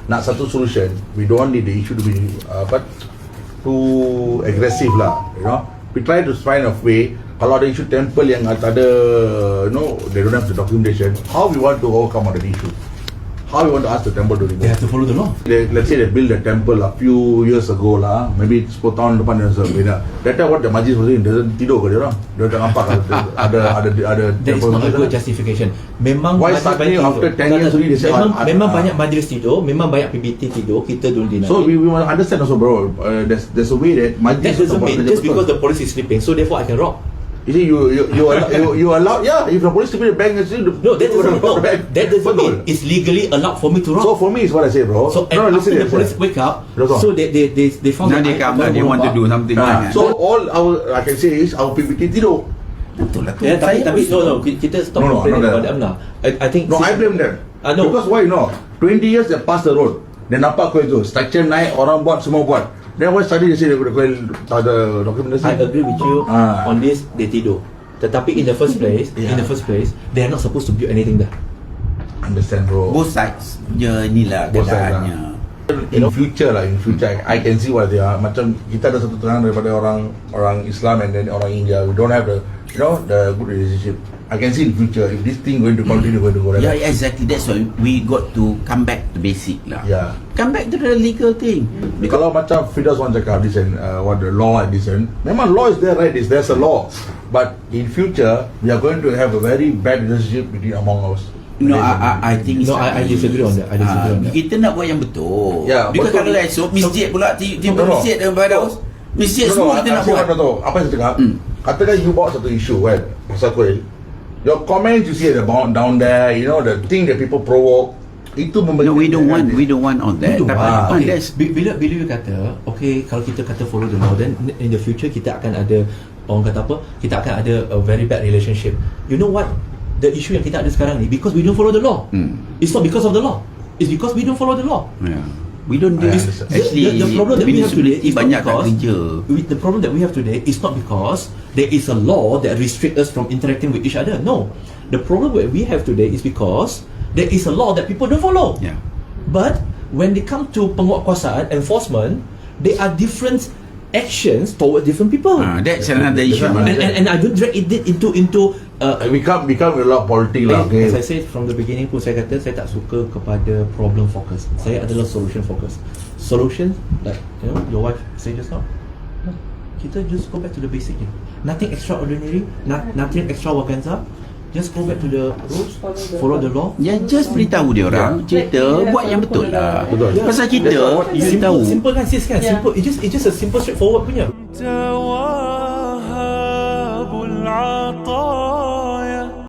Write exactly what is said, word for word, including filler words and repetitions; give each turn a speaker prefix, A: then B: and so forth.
A: nak satu solution, we don't need the issue to be uh, but too aggressive lah, you know. We try to find a way. Kalau ada isu temple yang ada, you know, they don't have the documentation, how we want to overcome on the issue? How we want to ask the temple to remove?
B: They have to follow the law.
A: They, let's say they built a temple a few years ago lah, maybe sepuluh tahun depan dan sebagainya. That time what the majlis was doing, dia tidur ke dia orang? Dia tak nampak ada ada ada ada
B: That is not a good justification. Memang
A: why suddenly after ten years already they say
B: memang,
A: ah,
B: memang
A: ah,
B: banyak majlis tidur, memang banyak P B T tidur, kita don't deny.
A: So we, we must understand also, bro. Uh, there's there's a way that majlis
B: that doesn't mean just because the police is sleeping, so therefore I can rob.
A: You see, you you you allow, you, you allow, yeah. If the police to be the bank, is
B: no, that doesn't mean no, that doesn't mean it's legally allowed for me to rob.
A: So for me, is what I say, bro.
B: So
A: no,
B: and
A: no,
B: after
A: listen,
B: the police
A: listen.
B: wake up,
A: Listen.
B: so they they they they found
C: Now
B: that
C: they
B: I-
C: come,
B: I
C: they want to do something.
A: Ah,
C: kan?
A: so all our I can say is our P B T tidur.
C: Betul lah tu.
B: Yeah, tapi
C: Saya
B: tapi
C: pun-
B: no no kita stop
A: No, no,
B: complaining
A: not
B: about
A: that.
B: them lah. I I think
A: No, I blame them.
B: Ah, no.
A: Because why, you know, twenty years they pass the road. Then nampak kau itu structure naik, orang buat, semua buat. Then why suddenly they say they tak ada documentation?
B: I agree with you
A: Ah.
B: on this. They tidur. Tetapi in the first place,
A: Yeah.
B: in the first place, they are not supposed to build anything there.
A: Understand, bro.
C: Both sides je inilah
A: Both sides
C: keadaannya.
A: In future lah, in future I can see what they are. Macam kita ada satu terangan daripada orang orang Islam and then orang India. We don't have the, you know, the good relationship. I can see in future if this thing going to continue, going to go like
C: Yeah,
A: that.
C: exactly. That's why we got to come back to basic lah.
A: Yeah.
C: Come back to the legal thing.
A: Kalau macam Fidas want cakap this and uh, what the law and this and memang law is there, right? Is there's a law, but in future we are going to have a very bad relationship between among us.
C: No, I, I, I think
B: No, I- I disagree on that. I disagree on that.
C: Kita nak buat yang betul.
A: Ya,
C: Because
A: betul.
C: kalau esok masjid pula tiba
A: No, no.
C: masjid dalam Firdaus. Masjid semua kita nak buat.
A: No, no, apa yang saya cakap?
C: Hmm.
A: Katakan you bawa satu isu kan, pasal kuil. Your comments you see at the bound down there, you know the thing that people provoke, itu memberi.
C: No, we don't want we don't want all that.
B: We don't
C: Tapi
B: want.
C: ah,
B: Okay.
C: that's
B: Bi- Bila bila you kata, okay, kalau kita kata follow the law, then in the future kita akan ada, orang kata apa? Kita akan ada a very bad relationship. You know what? The issue yang kita ada sekarang ni, because we don't follow the law.
C: Hmm.
B: It's not because of the law. It's because we don't follow the law.
C: yeah. We don't do
A: I
C: this.
A: understand.
C: Actually,
B: the, the problem that we have today is not
C: banyak kat
B: because
C: kerja.
B: we, the problem that we have today is not because there is a law that restricts us from interacting with each other. No, the problem that we have today is because there is a law that people don't follow.
C: Yeah.
B: But when they come to penguatkuasaan enforcement, there are different actions toward different people.
C: Ah, that's another issue.
B: and, and, and I don't drag it into into uh,
A: we can't we can't a lot of politics lah. Okay.
B: As I said from the beginning pun, saya kata saya tak suka kepada problem focus. Saya adalah solution focus. Solution, like you know, your wife say just now, no, kita just go back to the basic je. Nothing extraordinary, not, nothing extravaganza. Just go back to the rules, follow the law.
C: Ya, just beritahu dia orang cerita buat yang betul lah.
A: Betul.
C: Pasal kita
B: Simple,
C: beritahu.
B: simple kan sis kan? Simple. It's just it's just a simple straightforward punya.
D: توهب العطاء